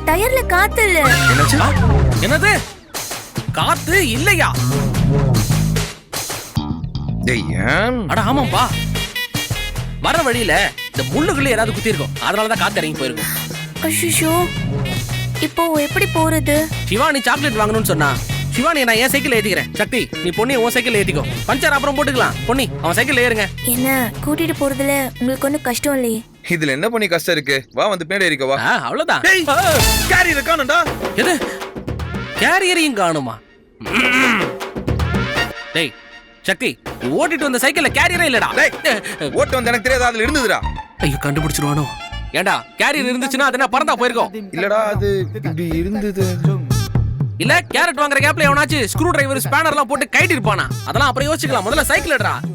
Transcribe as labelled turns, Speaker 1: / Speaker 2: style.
Speaker 1: என் டயர்ல காத்து இல்ல.
Speaker 2: என்னாச்சு?
Speaker 3: என்னது காத்து இல்லையா?
Speaker 2: டேய் ஏன்?
Speaker 3: அட ஆமாம்பா, வர வழியில இந்த முள்ளுக்குள்ள ஏதாவது குத்தி இருக்கும், அதனாலதான் காத்து இறங்கி போயிருக்கும்.
Speaker 1: அய்யோ, இப்போ எப்படி போறது?
Speaker 3: சிவானி சாக்லேட் வாங்கணும்னு சொன்னா, சிவானி நான் என் சைக்கிள் ஏத்திக்கிறேன். சக்தி நீ பொன்னி உன் சைக்கிள் ஏத்திக்கோ, பஞ்சர் அப்புறம் போட்டுக்கலாம். பொன்னி அவன் சைக்கிள் ஏறுங்க.
Speaker 1: என்ன கூட்டிட்டு போறதுல உங்களுக்கு ஒன்னும் கஷ்டம் இல்லையே?
Speaker 2: இதுல என்ன பண்ணி கஷ்டம் இருக்கு? வா வந்து பின்னாடி ஏறிக்கோ வா.
Speaker 3: அவ்வளவுதான்.
Speaker 2: டேய் கேரியர் காணோம்டா.
Speaker 3: எது கேரியரையும் காணுமா? டேய் சக்தி, ஓட்டிட்டு வந்த சைக்கிள்ல கேரியரே இல்லடா.
Speaker 2: டேய் ஓட்டு வந்து எனக்கு தெரியாது, அதுல இருந்ததுடா.
Speaker 3: ஐயோ கண்டுபிடிச்சிருவானோ? ஏண்டா கேரியர் இருந்துச்சுன்னா அது என்ன பறந்தா போயிருக்கும்?
Speaker 2: இல்லடா அது இப்படி இருந்தது.
Speaker 3: இல்ல கேரட் வாங்குற கேப்ல எவனாச்சு ஸ்க்ரூ டிரைவர் ஸ்பேனர் எல்லாம் போட்டு கைட்டி இருப்பானா? அதெல்லாம் அப்புறம் யோசிக்கலாம், முதல்ல சைக்கிள் எடுறா.